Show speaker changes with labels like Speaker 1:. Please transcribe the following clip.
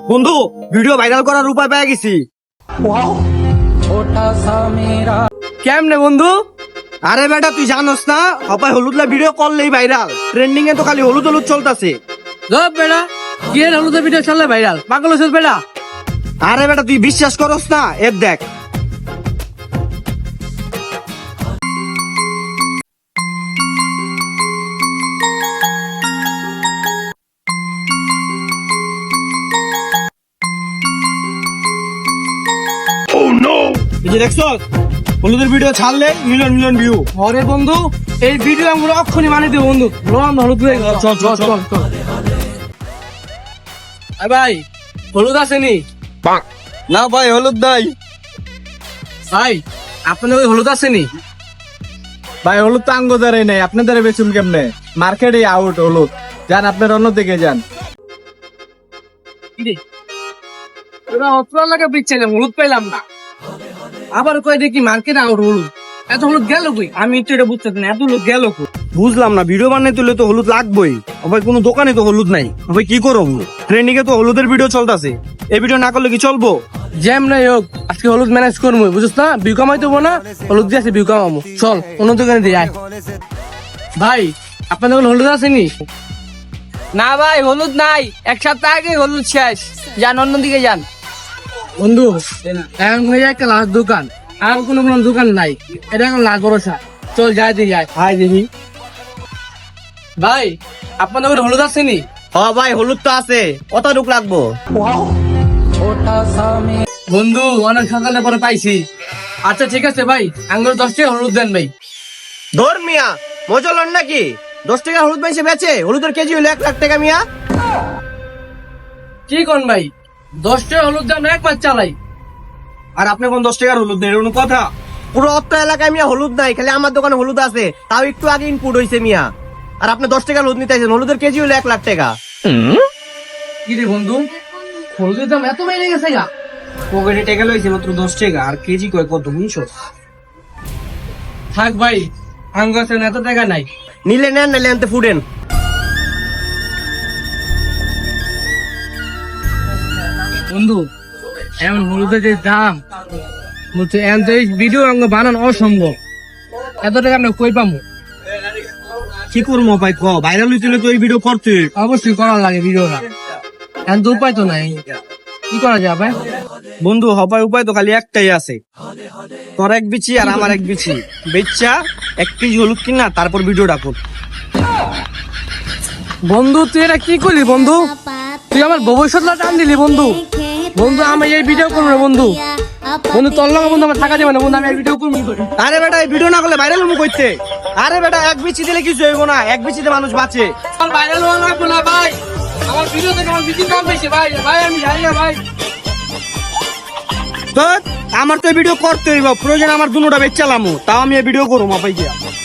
Speaker 1: বন্ধু video viral করার উপায় পেয়ে গেছি।
Speaker 2: কেমনে বন্ধু?
Speaker 1: আরে বেটা তুই জানোস না হপায় হলুদলা ভিডিও করলেই ভাইরাল, ট্রেন্ডিং এ তো খালি হলুদ হলুদ চলতেছে।
Speaker 2: জব বেড়া কি এর হলুদের ভিডিও চললে ভাইরাল, পাগল হয়েছিস বেড়া?
Speaker 1: আরে বেটা তুই বিশ্বাস করস না, এর দেখ। এই যে দেখছো হলুদের ভিডিও ছাড়লে মিলিয়ন মিলিয়ন ভিউ।
Speaker 2: আরে বন্ধু এই ভিডিও আমরা অক্ষণই মানে দেব বন্ধু। রোম হলুদ হয়ে গেল।
Speaker 1: চল চল চল চল।
Speaker 2: আরে ভাই হলুদ আসেনি?
Speaker 1: না ভাই হলুদ নাই।
Speaker 2: ভাই আপনাদের ওই হলুদ আসেনি?
Speaker 3: ভাই হলুদ তো আঙ্গ দ্বারাই নাই, আপনাদের বেচুন কেমনে? মার্কেটে আউট হলুদ, যান আপনার অন্যদিকে যান।
Speaker 2: ওরা অতলা লাগে বিচ্ছিলাম, হলুদ পেলাম না। আবার কয় দেখি মার্কেটে আউট হলুদ। এত হলুদ গেল কই? আমি একটু এটা বুঝতেছি না, এত হলুদ গেল কই?
Speaker 1: বুঝলাম না, ভিডিও বানাতে তুলে তো হলুদ লাগবেই, ভাই কোনো দোকানে তো হলুদ নাই, ভাই কি করবো? ট্রেন্ডিং এ তো হলুদের ভিডিও চলতেছে, এই ভিডিও না করলে কি চলবো?
Speaker 2: জ্যাম নাই হোক আজকে হলুদ ম্যানেজ করবো, বুঝছ না? ভিউ কামাই দেবো না, হলুদ দিয়ে আছে ভিউ কামাবো। চল অন্য দোকানে দিয়ে আয়। ভাই আপনাদের হলুদ আসেনি?
Speaker 4: না ভাই হলুদ নাই, এক সপ্তাহ আগে হলুদ শেষ, যান অন্যদিকে যান।
Speaker 2: বন্ধু এখন হয়ে যায় একটা লাস্ট দোকান, আর কোনো কোনো দোকান নাই, এটা এখন লাস্ট ভরসা। চল যাই দিয়ে যাই।
Speaker 1: হাই দেখি।
Speaker 2: ভাই আপনাদের হলুদ আসেনি?
Speaker 1: হ্যাঁ ভাই হলুদ তো আছে, কতটুক লাগবো?
Speaker 2: বন্ধু অনেক সকালে পরে পাইছি। আচ্ছা ঠিক আছে ভাই, আঙ্গুর 10 টাকা হলুদ দেন ভাই।
Speaker 1: ধর মিয়া মজা লন নাকি? 10 টাকা হলুদ পাইছে বেচে, হলুদের কেজি হলো 1 লাখ টাকা মিয়া।
Speaker 2: কি কোন ভাই 10 টাকা হলুদ দাম এক মাস চালাই।
Speaker 1: আর আপনি কোন 10 টাকার হলুদ নেই, কোনো কথা? পুরো অত্র এলাকায় মিয়া হলুদ নাই, খালি আমার দোকানে হলুদ আছে, তাও একটু আগে ইনপুট হয়েছে মিয়া। আর আপনি 10 টাকার হলুদ নিতে আইছেন, হলুদের কেজি হলো 1 লাখ টাকা।
Speaker 2: কি রে বন্ধু হলুদের দাম এত বেড়ে গেছে গা?
Speaker 1: পকেটে টাকা লইছে মাত্র 10 টাকা, আর কেজি কয় কত 200?
Speaker 2: থাক ভাই আঙ্গুর আছে এত টাকা নাই।
Speaker 1: নিলে নেন নাইলে আনতে ফুডেন।
Speaker 2: বন্ধু এমন হলুদের যে দাম বলছে, এমন তো এই ভিডিও আঙ্গ বানানো অসম্ভব, এত টাকা আমরা কই পাবো?
Speaker 1: কি করবো ভাই ক, ভাইরাল হইছিল তো এই ভিডিও করতে।
Speaker 2: অবশ্যই করার লাগে ভিডিওটা, এখন তো উপায় তো নাই, কি করা যায় ভাই?
Speaker 1: বন্ধু হপায় উপায় তো খালি একটাই আছে, তোর এক বিচি আর আমার এক বিচি বেচা 1 কেজি হলুদ কিনা তারপর ভিডিওটা কর।
Speaker 2: বন্ধু তুই এটা কি করলি বন্ধু? তুই আমার ভবিষ্যৎটা টান দিলি বন্ধু। বন্ধু আমি এই ভিডিও করবো না বন্ধু। বন্ধু তোর লগে বন্ধু আমার টাকা দেবে না বন্ধু, আমি এই ভিডিও করবো।
Speaker 1: আরে বেটা এই ভিডিও না করলে ভাইরাল হবো কইতে? আরে বেটা এক বিচি দিলে কিছু হইব না, এক বিচিতে মানুষ বাঁচে।
Speaker 2: আমার ভাইরাল হওয়া লাগবে না ভাই, আমার ভিডিও থেকে আমার বিচির দাম বেশি ভাই। ভাই আমি জানি না ভাই।
Speaker 1: তো আমার তো এই ভিডিও করতে হইব, প্রয়োজন আমার দুটোটা বেচালামো, তাও আমি এই ভিডিও করবো মাপাই গিয়া।